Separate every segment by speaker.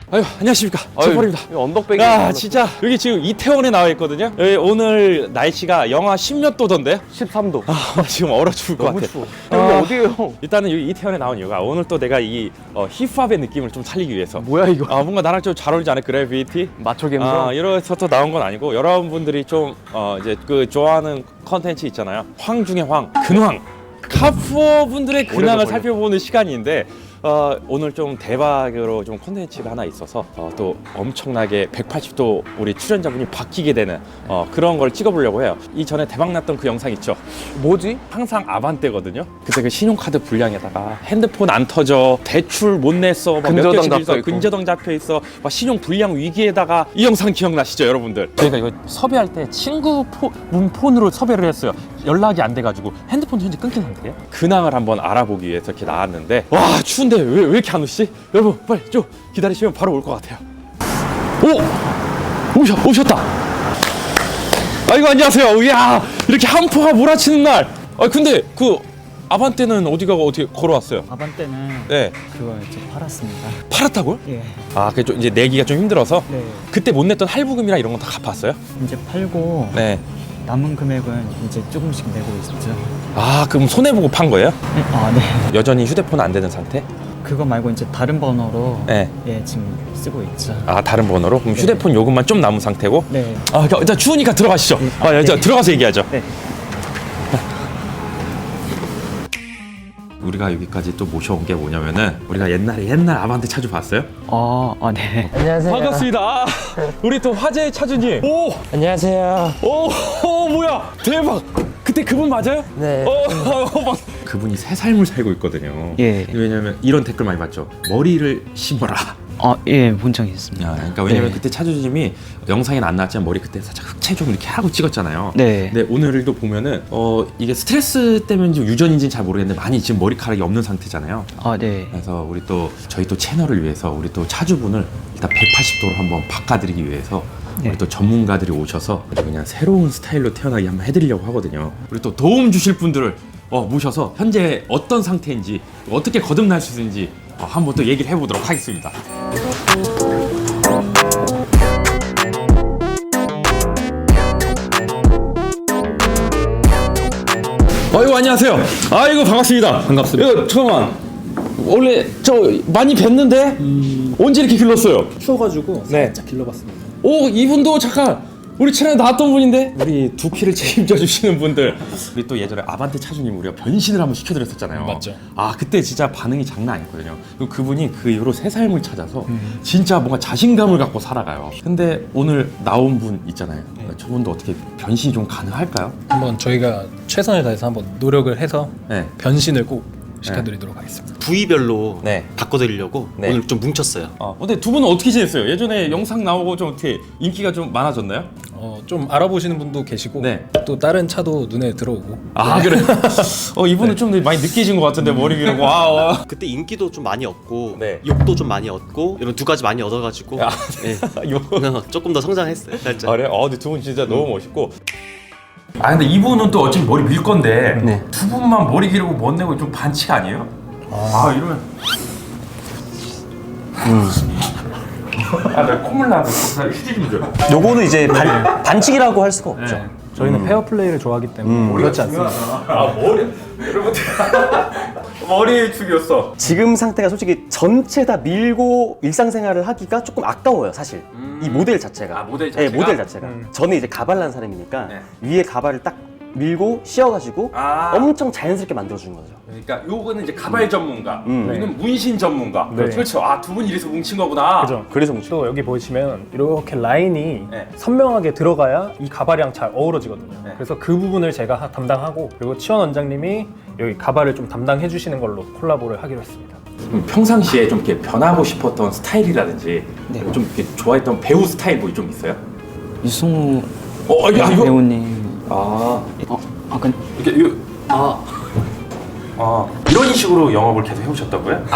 Speaker 1: 아유, 안녕하십니까. 제벌입니다.
Speaker 2: 언덕배기.
Speaker 1: 야, 진짜 여기 지금 이태원에 나와 있거든요. 여기 오늘 날씨가 영하 10몇 도던데요?
Speaker 2: 13도.
Speaker 1: 아, 지금 얼어 죽을 것
Speaker 2: 너무
Speaker 1: 같아.
Speaker 2: 추워.
Speaker 1: 아.
Speaker 2: 여기 어디예요?
Speaker 1: 일단은 여기 이태원에 나온 이유가 오늘 또 내가 이 힙합의 느낌을 좀 살리기 위해서.
Speaker 2: 뭐야 이거?
Speaker 1: 뭔가 나랑 좀 잘 어울리지 않아? 그래비티?
Speaker 2: 마초 감성.
Speaker 1: 이래서 또 나온 건 아니고 여러분들이 좀 이제 그 좋아하는 컨텐츠 있잖아요. 황 중에 황, 근황. 카푸어 분들의 근황을 살펴보는 시간인데 오늘 좀 대박으로 좀 콘텐츠가 하나 있어서 또 엄청나게 180도 우리 출연자분이 바뀌게 되는 그런 걸 찍어보려고 해요. 이전에 대박났던 그 영상 있죠?
Speaker 2: 뭐지?
Speaker 1: 항상 아반떼거든요. 그때 그 신용카드 불량에다가 핸드폰 안 터져, 대출 못 냈어,
Speaker 2: 근저당 잡혀 있고.
Speaker 1: 근저당 잡혀 있어, 막 신용 불량 위기에다가 이 영상 기억나시죠, 여러분들? 저희가 이거 섭외할 때 친구 폰으로 섭외를 했어요. 연락이 안 돼가지고 핸드폰 현재 끊긴 상태예요. 근황을 한번 알아보기 위해서 이렇게 나왔는데 와 추운데 왜 이렇게 안 오시지? 여러분 빨리 좀 기다리시면 바로 올 것 같아요. 오셨다. 아이고 안녕하세요. 이야 이렇게 한포가 몰아치는 날. 근데 그 아반떼는 어떻게 걸어왔어요?
Speaker 3: 아반떼는
Speaker 1: 네.
Speaker 3: 그거 이제 팔았습니다.
Speaker 1: 팔았다고요?
Speaker 3: 예.
Speaker 1: 그게 좀 이제 내기가 좀 힘들어서
Speaker 3: 네.
Speaker 1: 그때 못 냈던 할부금이나 이런 건 다 갚았어요?
Speaker 3: 이제 팔고
Speaker 1: 네.
Speaker 3: 남은 금액은 이제 조금씩 내고 있죠.
Speaker 1: 그럼 손해 보고 판 거예요?
Speaker 3: 네.
Speaker 1: 여전히 휴대폰 안 되는 상태?
Speaker 3: 그거 말고 이제 다른 번호로
Speaker 1: 네.
Speaker 3: 예, 지금 쓰고 있죠.
Speaker 1: 다른 번호로? 그럼 휴대폰 요금만 좀 남은 상태고?
Speaker 3: 네.
Speaker 1: 일단 추우니까 들어가시죠.
Speaker 3: 네.
Speaker 1: 일단 들어가서 얘기하죠.
Speaker 3: 네.
Speaker 1: 우리가 여기까지 또 모셔온 게 뭐냐면은 우리가 옛날 아반떼 차주 봤어요?
Speaker 3: 네.
Speaker 4: 안녕하세요.
Speaker 1: 반갑습니다. 우리 또 화제의 차주님.
Speaker 4: 안녕하세요.
Speaker 1: 뭐야 대박. 그때 그분 맞아요?
Speaker 4: 네.
Speaker 1: 그분이 새 삶을 살고 있거든요.
Speaker 3: 예.
Speaker 1: 왜냐면 이런 댓글 많이 봤죠. 머리를 심어라.
Speaker 3: 예, 본 적이 있습니다.
Speaker 1: 그러니까 왜냐면
Speaker 3: 네.
Speaker 1: 그때 차주님이 영상에 안 나왔지만 머리 그때 살짝 흑채 좀 이렇게 하고 찍었잖아요.
Speaker 3: 네.
Speaker 1: 근데 오늘도 보면은 이게 스트레스 때문인지 유전인지는 잘 모르겠는데 많이 지금 머리카락이 없는 상태잖아요.
Speaker 3: 네.
Speaker 1: 그래서 저희 또 채널을 위해서 우리 또 차주분을 일단 180도로 한번 바꿔드리기 위해서
Speaker 3: 네.
Speaker 1: 우리 또 전문가들이 오셔서 그냥 새로운 스타일로 태어나게 한번 해드리려고 하거든요. 우리 또 도움 주실 분들을 모셔서 현재 어떤 상태인지 어떻게 거듭날 수 있는지 한번 또 얘기를 해보도록 하겠습니다. 아이고 안녕하세요. 아이고 반갑습니다. 반갑습니다. 잠깐만. 원래 저 많이 뵀는데 언제 이렇게 길렀어요?
Speaker 5: 추워가지고
Speaker 1: 네.
Speaker 5: 살짝 길러봤습니다.
Speaker 1: 이분도 잠깐 우리 채널에 나왔던 분인데 우리 두피를 책임져 주시는 분들. 우리 또 예전에 아반떼 차주님 우리가 변신을 한번 시켜드렸었잖아요.
Speaker 5: 맞죠.
Speaker 1: 그때 진짜 반응이 장난 아니었거든요. 그리고 그분이 그 이후로 새 삶을 찾아서 진짜 뭔가 자신감을 갖고 살아가요. 근데 오늘 나온 분 있잖아요. 저분도 어떻게 변신이 좀 가능할까요?
Speaker 5: 한번 저희가 최선을 다해서 한번 노력을 해서
Speaker 1: 네.
Speaker 5: 변신을 꼭 시켜드리도록 하겠습니다.
Speaker 6: 부위별로
Speaker 1: 네.
Speaker 6: 바꿔드리려고
Speaker 1: 네.
Speaker 6: 오늘 좀 뭉쳤어요.
Speaker 1: 근데 두 분은 어떻게 지냈어요? 예전에 영상 나오고 좀 어떻게 인기가 좀 많아졌나요?
Speaker 5: 좀 알아보시는 분도 계시고
Speaker 1: 네.
Speaker 5: 또 다른 차도 눈에 들어오고
Speaker 1: 그래. 이분은 좀 많이 느끼신 것 같은데 머리 기르고.
Speaker 6: 그때 인기도 좀 많이 얻고
Speaker 1: 네.
Speaker 6: 욕도 좀 많이 얻고 이런 두 가지 많이 얻어가지고 네. 조금 더 성장했어요. 살짝.
Speaker 1: 그래? 근데 두 분 진짜 너무 멋있고. 근데 이분은 또 어차피 머리 밀 건데 두 분만 머리 기르고 못 내고 좀 반칙 아니에요? 이러면 나 콧물 나고 휴지 좀 줘.
Speaker 7: 요거는 이제 반칙이라고 할 수가 없죠.
Speaker 5: 저희는 페어 플레이를 좋아하기 때문에 그렇지 않습니다.
Speaker 1: 머리 여러분들 머리 죽였어.
Speaker 7: 지금 상태가 솔직히 전체 다 밀고 일상생활을 하기가 조금 아까워요, 사실. 이 모델 자체가.
Speaker 1: 모델 자체가?
Speaker 7: 네, 모델 자체가. 저는 이제 가발난 사람이니까
Speaker 1: 네.
Speaker 7: 위에 가발을 딱 밀고 씌워가지고 엄청 자연스럽게 만들어주는 거죠.
Speaker 1: 그러니까 요거는 이제 가발 전문가,
Speaker 7: 네.
Speaker 1: 여기는 문신 전문가.
Speaker 5: 네.
Speaker 1: 그렇죠. 두 분 이래서 뭉친 거구나.
Speaker 5: 그죠.
Speaker 7: 그래서 뭉쳐.
Speaker 5: 또 여기 보시면 이렇게 라인이
Speaker 1: 네.
Speaker 5: 선명하게 들어가야 이 가발이랑 잘 어우러지거든요.
Speaker 1: 네.
Speaker 5: 그래서 그 부분을 제가 담당하고 그리고 치원 원장님이 여기 가발을 좀 담당해 주시는 걸로 콜라보를 하기로 했습니다.
Speaker 1: 평상시에 좀 이렇게 변하고 싶었던 스타일이라든지 좀 이렇게 좋아했던 배우 스타일 뭐 좀 있어요?
Speaker 3: 유승우
Speaker 1: 이거
Speaker 3: 배우님.
Speaker 1: 이렇게 이런 식으로 영업을 계속 해오셨다고요?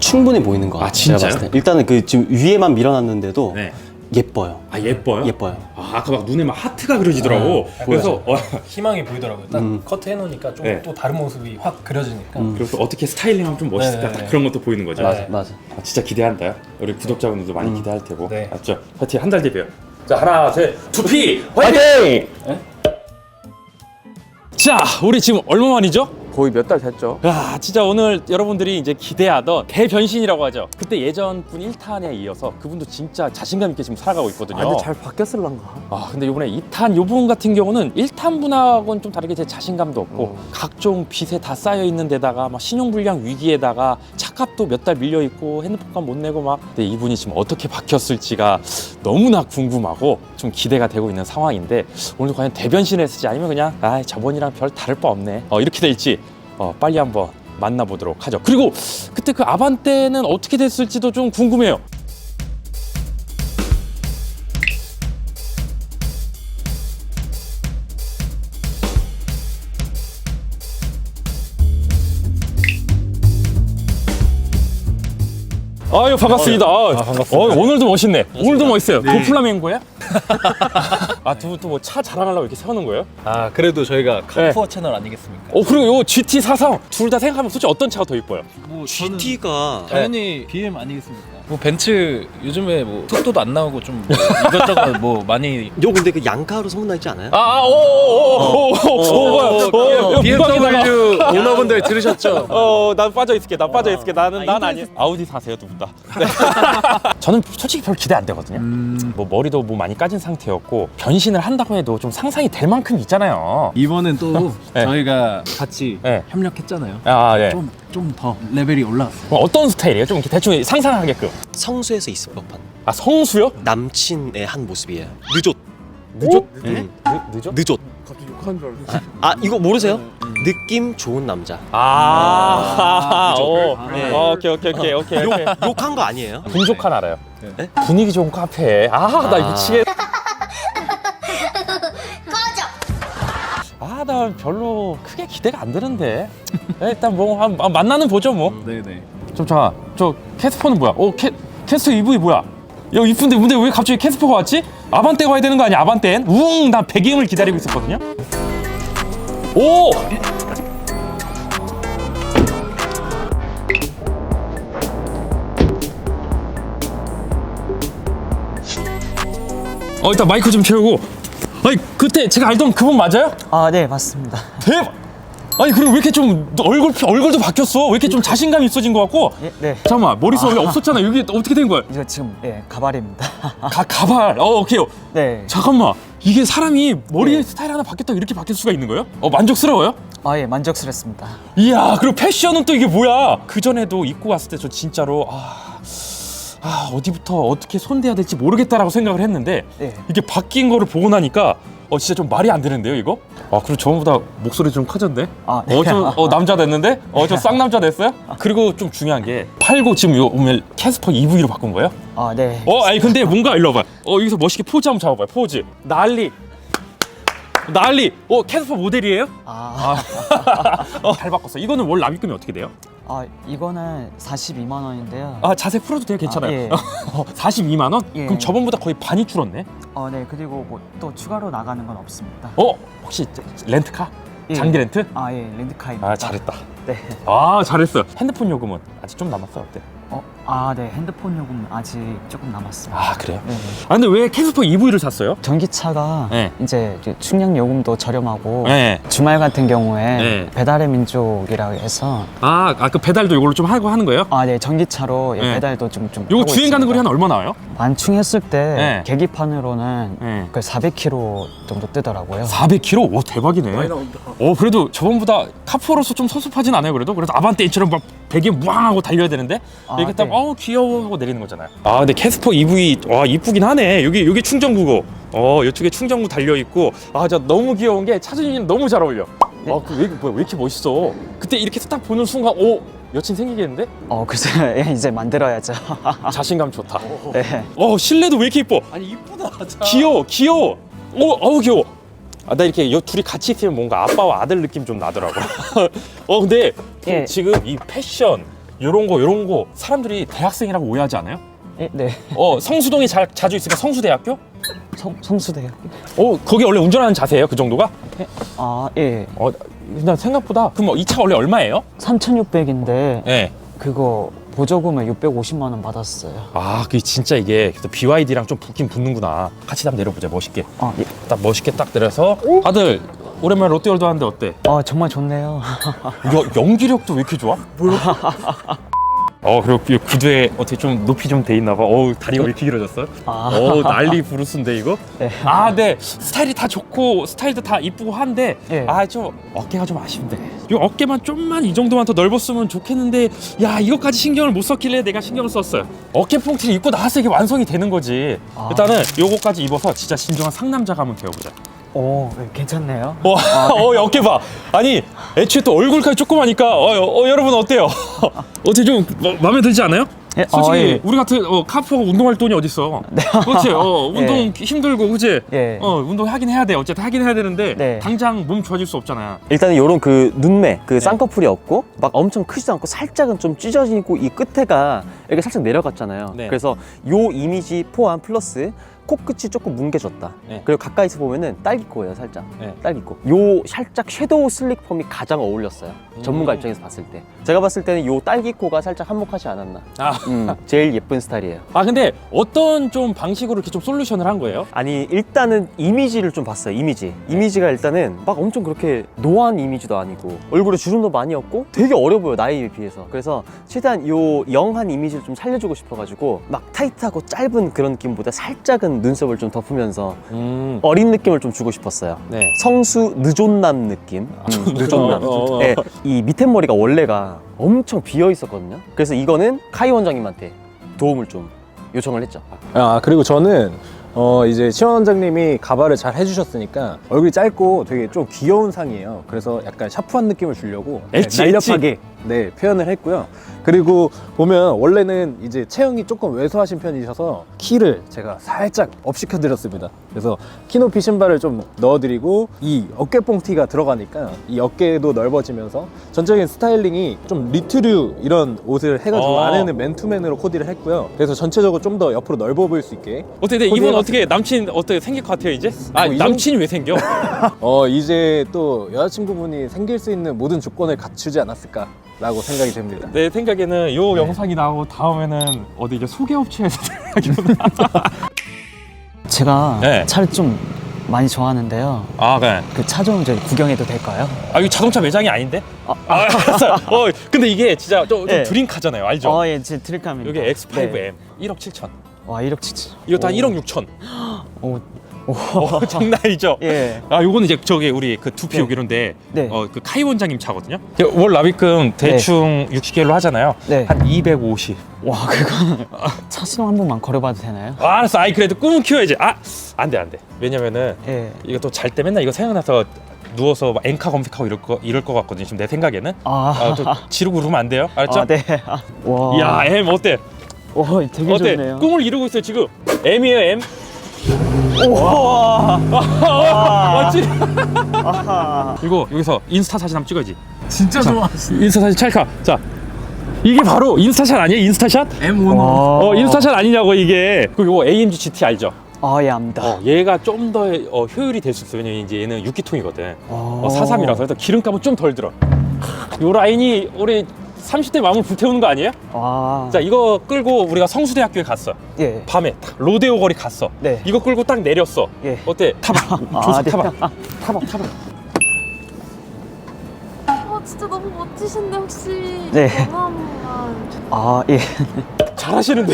Speaker 7: 충분히 보이는 것 같아요.
Speaker 1: 아, 진짜요?
Speaker 7: 제가 봤을 때. 일단은 그 지금 위에만 밀어놨는데도
Speaker 1: 네.
Speaker 7: 예뻐요.
Speaker 1: 아 예뻐요?
Speaker 7: 예뻐요.
Speaker 1: 아 아까 막 눈에 막 하트가 그려지더라고. 그래서
Speaker 5: 희망이 보이더라고요. 딱 커트 해놓으니까 좀
Speaker 1: 네.
Speaker 5: 또 다른 모습이 확 그려지니까.
Speaker 1: 그래서 어떻게 스타일링하면 좀 멋있을까
Speaker 5: 네, 네,
Speaker 1: 딱 그런 것도 보이는 거죠.
Speaker 7: 맞아, 맞아.
Speaker 1: 아, 진짜 기대한다. 우리 구독자분들도 많이 기대할 테고.
Speaker 5: 네.
Speaker 1: 맞죠? 파이팅 한 달 뒤에요. 자 하나 셋 두피 화이팅! 자 우리 지금 얼마 만이죠?
Speaker 2: 거의 몇 달 됐죠.
Speaker 1: 야 진짜 오늘 여러분들이 이제 기대하던 대변신이라고 하죠. 그때 예전 분 1탄에 이어서 그분도 진짜 자신감 있게 지금 살아가고 있거든요.
Speaker 2: 아, 근데 잘 바뀌었을란가?
Speaker 1: 아 근데 이번에 2탄 요 부분 같은 경우는 1탄 분하고는 좀 다르게 제 자신감도 없고 각종 빚에 다 쌓여 있는 데다가 막 신용불량 위기에다가 차값도 몇 달 밀려 있고 핸드폰값 못 내고 막 근데 이분이 지금 어떻게 바뀌었을지가 너무나 궁금하고 좀 기대가 되고 있는 상황인데 오늘 과연 대변신을 했을지 아니면 그냥 아 저번이랑 별 다를 바 없네 이렇게 될지 빨리 한번 만나보도록 하죠. 그리고 그때 그 아반떼는 어떻게 됐을지도 좀 궁금해요. 아유 반갑습니다. 반갑습니다. 오늘도 멋있네. 오늘도 멋있어요. 그 플라멩고야? 아 두 분 또 뭐 차 자랑하려고 이렇게 세우는 거예요?
Speaker 5: 아 그래도 저희가 카푸어 채널 아니겠습니까?
Speaker 1: 그리고 요 GT 4상 둘 다 생각하면 솔직히 어떤 차가 더 이뻐요?
Speaker 5: 뭐
Speaker 6: GT가
Speaker 5: 당연히 BM 아니겠습니까? 뭐 벤츠 요즘에 뭐 속도도 안 나오고 좀 뭐 이것저것 뭐 많이
Speaker 6: 요 근데 그 양카로 소문나 있지 않아요?
Speaker 5: BMW 오너분들 들으셨죠?
Speaker 1: 난 빠져 있을게. 난 빠져 있을게. 난 아니야. 아우디 사세요, 두 분 다. 네. 저는 솔직히 별 기대 안 되거든요. 뭐 머리도 뭐 많이 까진 상태였고 변신을 한다고 해도 좀 상상이 될 만큼 있잖아요.
Speaker 4: 이번엔 또
Speaker 1: 네.
Speaker 4: 저희가 같이
Speaker 1: 네.
Speaker 4: 협력했잖아요.
Speaker 1: 아, 예.
Speaker 4: 좀 더 레벨이 올라왔어요.
Speaker 1: 그럼 어떤 스타일이에요? 좀 이렇게 대충 상상하게끔.
Speaker 6: 성수에서 있을 법한
Speaker 1: 아, 성수요?
Speaker 6: 남친의 한 모습이에요. 늦었.
Speaker 1: 늦었? 늦었?
Speaker 6: 늦었.
Speaker 2: 갑자기 욕하는 줄 알았어.
Speaker 6: 아 이거 모르세요? 느낌 좋은 남자. 네.
Speaker 1: 오케이.
Speaker 6: 욕한 거 아니에요?
Speaker 1: 분족한 알아요.
Speaker 6: 네?
Speaker 1: 분위기 좋은 카페. 나 미치겠. 나 별로 크게 기대가 안 되는데. 일단 뭐 만나는 보죠 뭐.
Speaker 4: 네네.
Speaker 1: 좀 잠깐. 저 캐스퍼는 뭐야? 캐스퍼 EV 뭐야? 야 이쁜데 근데 왜 갑자기 캐스퍼가 왔지? 아반떼가 와야 되는 거 아니야? 아반떼는? 난 배기음을 기다리고 있었거든요. 오! 일단 마이크 좀 채우고. 아니 그때 제가 알던 그분 맞아요?
Speaker 3: 아, 네, 맞습니다.
Speaker 1: 대박! 아니 그리고 왜 이렇게 좀 얼굴도 바뀌었어? 왜 이렇게 좀 자신감이 있어진 것 같고?
Speaker 3: 네.
Speaker 1: 잠깐만 머리숱 원래 없었잖아. 여기 어떻게 된 거야?
Speaker 3: 이거 지금 가발입니다.
Speaker 1: 가발. 오케이.
Speaker 3: 네.
Speaker 1: 잠깐만. 이게 사람이 머리의 스타일 하나 바뀌었다고 이렇게 바뀔 수가 있는 거예요? 만족스러워요?
Speaker 3: 아, 예, 만족스럽습니다.
Speaker 1: 이야, 그리고 패션은 또 이게 뭐야? 그 전에도 입고 왔을 때 저 진짜로 어디부터 어떻게 손대야 될지 모르겠다라고 생각을 했는데
Speaker 3: 네.
Speaker 1: 이게 바뀐 거를 보고 나니까 진짜 좀 말이 안 되는데요, 이거? 그리고 저번보다 목소리 좀 커졌네.
Speaker 3: 아, 네.
Speaker 1: 남자 됐는데? 저 쌍남자 됐어요? 그리고 좀 중요한 게 팔고 지금 이거 오늘 캐스퍼 EV로 바꾼 거예요?
Speaker 3: 아, 네.
Speaker 1: 아니 근데 뭔가 일로 와봐요. 여기서 멋있게 포즈 한번 잡아봐요. 포즈. 난리. 캐스퍼 모델이에요? 잘 바꿨어. 이거는 월 납입금이 어떻게 돼요?
Speaker 3: 이거는 42만 원인데요.
Speaker 1: 자세 풀어도 돼요? 괜찮아요.
Speaker 3: 예.
Speaker 1: 42만 원?
Speaker 3: 예.
Speaker 1: 그럼 저번보다 거의 반이 줄었네.
Speaker 3: 네, 그리고 뭐 또 추가로 나가는 건 없습니다.
Speaker 1: 혹시 렌트카?
Speaker 3: 예.
Speaker 1: 장기 렌트?
Speaker 3: 예, 렌트카입니다.
Speaker 1: 잘했다.
Speaker 3: 네.
Speaker 1: 잘했어. 핸드폰 요금은 아직 좀 남았어. 어때?
Speaker 3: 네, 핸드폰 요금 아직 조금 남았어요.
Speaker 1: 그래요?
Speaker 3: 네.
Speaker 1: 근데 왜 캐스퍼 EV를 샀어요?
Speaker 3: 전기차가
Speaker 1: 네.
Speaker 3: 이제 충전 요금도 저렴하고
Speaker 1: 네.
Speaker 3: 주말 같은 경우에
Speaker 1: 네.
Speaker 3: 배달의 민족이라고 해서
Speaker 1: 그 배달도 이걸로 좀 하고 하는 거예요?
Speaker 3: 네, 전기차로
Speaker 1: 네.
Speaker 3: 배달도 좀
Speaker 1: 요거
Speaker 3: 하고
Speaker 1: 주행 가는
Speaker 3: 있습니다.
Speaker 1: 거리 한 얼마 나와요?
Speaker 3: 완충했을 때
Speaker 1: 네.
Speaker 3: 계기판으로는
Speaker 1: 네.
Speaker 3: 그 400km 정도 뜨더라고요.
Speaker 1: 400km? 오 대박이네.
Speaker 2: 많이 나온다.
Speaker 1: 그래도 저번보다 카푸어로서 좀 섭섭하진 않아요. 그래도 아반떼처럼 막 배기에 무항하고 달려야 되는데 이렇게 딱
Speaker 3: 네.
Speaker 1: 귀여워 하고 내리는 거잖아요. 근데 캐스퍼 EV 이쁘긴 하네. 여기 충전구고. 이쪽에 충전구 달려 있고. 진짜 너무 귀여운 게 차주님이 너무 잘 어울려. 왜 이렇게 멋있어? 그때 이렇게 딱 보는 순간 여친 생기겠는데?
Speaker 3: 글쎄 이제 만들어야죠.
Speaker 1: 자신감 좋다.
Speaker 3: 네.
Speaker 1: 실내도 왜 이렇게 이뻐?
Speaker 2: 아니 이쁘다. 자.
Speaker 1: 귀여워. 귀여워. 나 이렇게 둘이 같이 있으면 뭔가 아빠와 아들 느낌 좀 나더라고. 근데
Speaker 3: 예.
Speaker 1: 지금 이 패션 요런 거 사람들이 대학생이라고 오해하지 않아요?
Speaker 3: 네.
Speaker 1: 성수동에 자주 있으니까 성수대학교?
Speaker 3: 성수대요.
Speaker 1: 거기 원래 운전하는 자세예요? 그 정도가?
Speaker 3: 예.
Speaker 1: 나 생각보다 그럼 이 차 원래 얼마예요?
Speaker 3: 3,600인데
Speaker 1: 네.
Speaker 3: 그거 보조금을 650만 원 받았어요.
Speaker 1: 그게 진짜 이게 BYD랑 좀 붙긴 붙는구나. 같이 한번 내려보자. 멋있게.
Speaker 3: 예.
Speaker 1: 딱 멋있게 딱 내려서 아들 오랜만에 롯데월드 하는데 어때?
Speaker 3: 정말 좋네요.
Speaker 1: 연기력도 왜 이렇게 좋아? 그리고 이 구두에 어떻게 좀 높이 좀 돼 있나 봐. 다리가 왜 이렇게 길어졌어? 난리 부르스인데 이거?
Speaker 3: 네.
Speaker 1: 네. 스타일이 다 좋고 스타일도 다 이쁘고 한데
Speaker 3: 예.
Speaker 1: 좀 어깨가 좀 아쉽네. 이 어깨만 좀만 이 정도만 더 넓었으면 좋겠는데 이것까지 신경을 못 썼길래 내가 신경을 썼어요. 어깨 뽕티를 입고 나와서 이게 완성이 되는 거지. 일단은 요거까지 입어서 진짜 진정한 상남자가 한번 되어보자.
Speaker 3: 괜찮네요.
Speaker 1: 어깨 봐. 아니 애초에 또 얼굴까지 조그마니까 여러분 어때요? 어떻게 좀 마음에 들지 않아요? 솔직히
Speaker 3: 예.
Speaker 1: 우리 같은 카푸어가 운동할 돈이 어딨어. 그렇지. 운동 힘들고 그치?
Speaker 3: 예.
Speaker 1: 운동 하긴 해야 돼. 어쨌든 하긴 해야 되는데
Speaker 3: 네.
Speaker 1: 당장 몸 좋아질 수 없잖아.
Speaker 7: 일단은 요런 그 눈매, 그 쌍꺼풀이 없고 막 엄청 크지도 않고 살짝은 좀 찢어지고 이 끝에가 이렇게 살짝 내려갔잖아요.
Speaker 1: 네.
Speaker 7: 그래서 요 이미지 포함 플러스 코끝이 조금 뭉개졌다.
Speaker 1: 네.
Speaker 7: 그리고 가까이서 보면은 딸기코예요, 살짝.
Speaker 1: 네.
Speaker 7: 딸기코. 요 살짝 섀도우 슬릭 펌이 가장 어울렸어요. 전문가 입장에서 봤을 때. 제가 봤을 때는 요 딸기코가 살짝 한몫하지 않았나. 제일 예쁜 스타일이에요.
Speaker 1: 근데 어떤 좀 방식으로 이렇게 좀 솔루션을 한 거예요?
Speaker 7: 아니 일단은 이미지를 좀 봤어요. 이미지가 일단은 막 엄청 그렇게 노안 이미지도 아니고 얼굴에 주름도 많이 없고 되게 어려 보여, 나이에 비해서. 그래서 최대한 요 영한 이미지를 좀 살려주고 싶어가지고 막 타이트하고 짧은 그런 느낌보다 살짝은 눈썹을 좀 덮으면서 어린 느낌을 좀 주고 싶었어요.
Speaker 1: 네.
Speaker 7: 성수 느존남 느낌. 느존남. 네, 이 밑에 머리가 원래가 엄청 비어 있었거든요. 그래서 이거는 카이 원장님한테 도움을 좀 요청을 했죠.
Speaker 5: 그리고 저는 이제 치원 원장님이 가발을 잘 해주셨으니까 얼굴이 짧고 되게 좀 귀여운 상이에요. 그래서 약간 샤프한 느낌을 주려고 날렵하게 표현을 했고요. 그리고 보면 원래는 이제 체형이 조금 왜소하신 편이셔서 키를 제가 살짝 업시켜 드렸습니다. 그래서 키높이 신발을 좀 넣어드리고 이 어깨 뽕티가 들어가니까 이 어깨도 넓어지면서 전적인 스타일링이 좀 리트류 이런 옷을 해가지고 안에는 맨투맨으로 코디를 했고요. 그래서 전체적으로 좀 더 옆으로 넓어 보일 수 있게.
Speaker 1: 어떻게 이분 어떻게 남친 어떻게 생길 것 같아요 이제? 남친이 왜 생겨?
Speaker 5: 이제 또 여자친구분이 생길 수 있는 모든 조건을 갖추지 않았을까라고 생각이 됩니다.
Speaker 1: 내 생각에는 요 영상이 나오고 다음에는 어디 이제 소개업체에서
Speaker 3: 제가
Speaker 1: 네.
Speaker 3: 차를 좀 많이 좋아하는데요.
Speaker 1: 네.
Speaker 3: 그 차 좀 구경해도 될까요?
Speaker 1: 이거 자동차 매장이 아닌데? 알았어. 근데 이게 진짜 좀
Speaker 3: 네.
Speaker 1: 드림카잖아요, 알죠?
Speaker 3: 예, 제 드릴감입니다.
Speaker 1: 여기 X5M
Speaker 3: 네.
Speaker 1: 1억 7천.
Speaker 3: 와, 1억 7천.
Speaker 1: 이것도 한 1억 6천.
Speaker 3: 오.
Speaker 1: 장난 아니죠?
Speaker 3: 예.
Speaker 1: 요거는 이제 저기 우리 그 두피
Speaker 3: 네.
Speaker 1: 여기론데
Speaker 3: 네.
Speaker 1: 그 카이 원장님 차거든요. 월 납입금 대충 60개로 하잖아요.
Speaker 3: 네.
Speaker 1: 한 250.
Speaker 3: 와, 그건 차 시동 한 번만 걸어봐도 되나요?
Speaker 1: 알았어. 그래도 꿈은 키워야지. 안 돼. 왜냐면은
Speaker 3: 예.
Speaker 1: 이거 또 잘 때 맨날 이거 생각나서 누워서 막 엔카 검색하고 이럴 거 같거든요. 지금 내 생각에는. 또 지르고 그러면 안 돼요. 알았죠?
Speaker 3: 네. 와.
Speaker 1: 야, M 어때?
Speaker 3: 와, 되게
Speaker 1: 어때?
Speaker 3: 좋네요.
Speaker 1: 꿈을 이루고 있어요 지금. M이에요 M.
Speaker 3: 와.
Speaker 1: 맞지? 이거 여기서 인스타 사진 한번 찍어야지.
Speaker 4: 진짜 좋아하시네.
Speaker 1: 인스타 사진 찰칵. 자, 이게 바로 인스타샷 아니에요? 인스타샷?
Speaker 4: M1.
Speaker 1: 인스타샷 아니냐고 이게. 그리고 이거 AMG GT 알죠?
Speaker 3: 예, 압니다.
Speaker 1: 얘가 좀 더 효율이 될 수 있어요. 왜냐면 이제 얘는 6기통이거든. 43이라서 그래서 기름값은 좀 덜 들어. 요 라인이 우리 30대 마음을 불태우는 거 아니에요?
Speaker 3: 와.
Speaker 1: 자, 이거 끌고 우리가 성수대학교에 갔어.
Speaker 3: 예.
Speaker 1: 밤에 딱 로데오 거리 갔어.
Speaker 3: 네.
Speaker 1: 이거 끌고 딱 내렸어.
Speaker 3: 예.
Speaker 1: 어때? 타봐. 조수
Speaker 3: 네.
Speaker 1: 타봐. 타봐.
Speaker 8: 진짜 너무 멋지신데 혹시
Speaker 3: 네.
Speaker 8: 전화 한 번만.
Speaker 3: 예.
Speaker 1: 잘하시는데요?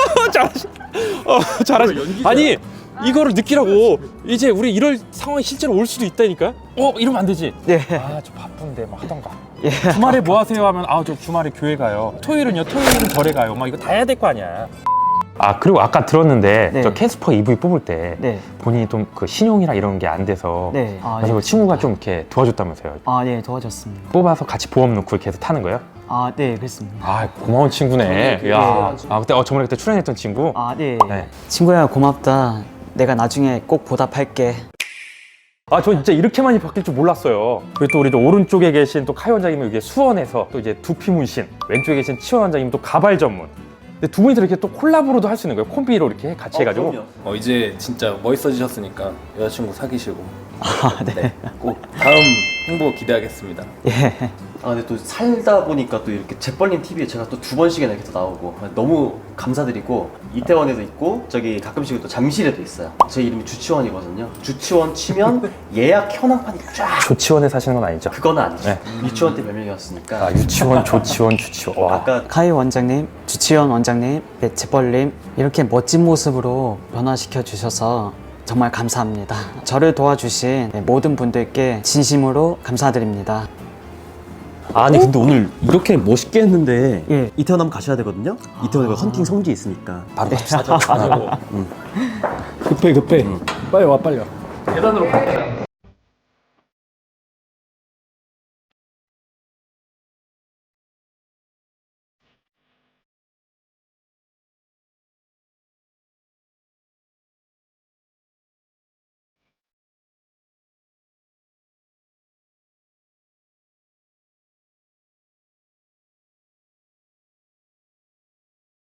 Speaker 1: 잘하시. 아니 이거를 느끼라고. 이제 우리 이럴 상황이 실제로 올 수도 있다니까. 이러면 안 되지.
Speaker 3: 예.
Speaker 1: 저 바쁜데 뭐 하던가.
Speaker 3: 예.
Speaker 1: 주말에 뭐 하세요 하면 저 주말에 교회 가요. 토요일은 절에 가요. 막 이거 다 해야 될 거 아니야. 그리고 아까 들었는데
Speaker 3: 네.
Speaker 1: 저 캐스퍼 EV 뽑을 때
Speaker 3: 네.
Speaker 1: 본인이 좀 그 신용이랑 이런 게 안 돼서
Speaker 3: 네.
Speaker 1: 그래서 그 친구가 좀 이렇게 도와줬다면서요.
Speaker 3: 네, 도와줬습니다.
Speaker 1: 뽑아서 같이 보험 넣고 이렇게 해서 타는 거예요?
Speaker 3: 네, 그렇습니다.
Speaker 1: 고마운 친구네. 야, 그때 저번에 그때 출연했던 친구.
Speaker 3: 네.
Speaker 1: 네.
Speaker 3: 친구야, 고맙다. 내가 나중에 꼭 보답할게.
Speaker 1: 아, 전 진짜 이렇게 많이 바뀔 줄 몰랐어요. 그리고 또 우리 또 오른쪽에 계신 또 카이 원장님은 이게 수원에서 또 이제 두피 문신, 왼쪽에 계신 치원 원장님은 또 가발 전문. 근데 두 분이서 이렇게 또 콜라보로도 할 수 있는 거예요. 콤비로 이렇게 같이 해가지고.
Speaker 6: 그럼요.
Speaker 5: 이제 진짜 멋있어지셨으니까 여자친구 사귀시고
Speaker 7: 네.
Speaker 5: 꼭 다음 행보 기대하겠습니다.
Speaker 7: 예.
Speaker 6: 아 근데 또 살다 보니까 또 이렇게 재벌님 TV에 제가 또 2번씩이나 이렇게 또 나오고 너무 감사드리고 이태원에도 있고 저기 가끔씩 또 잠실에도 있어요. 제 이름이 주치원이거든요. 주치원 치면 예약 현황판이 쫙.
Speaker 1: 조치원에 사시는 건 아니죠?
Speaker 6: 그거는 아니죠.
Speaker 1: 네.
Speaker 6: 유치원 때 별명이었으니까.
Speaker 1: 아, 유치원, 조치원, 주치원. 와.
Speaker 6: 아까
Speaker 3: 카이 원장님, 주치원 원장님, 네, 재벌님 이렇게 멋진 모습으로 변화시켜 주셔서 정말 감사합니다. 저를 도와주신 네, 모든 분들께 진심으로 감사드립니다.
Speaker 7: 아니 근데 오늘 이렇게 멋있게 했는데
Speaker 3: 예.
Speaker 7: 이태원 한번 가셔야 되거든요. 이태원에 헌팅 성지 있으니까.
Speaker 1: 바로 갑시다.
Speaker 5: 급해. 빨리 와 빨리 와. 계단으로 갈게요.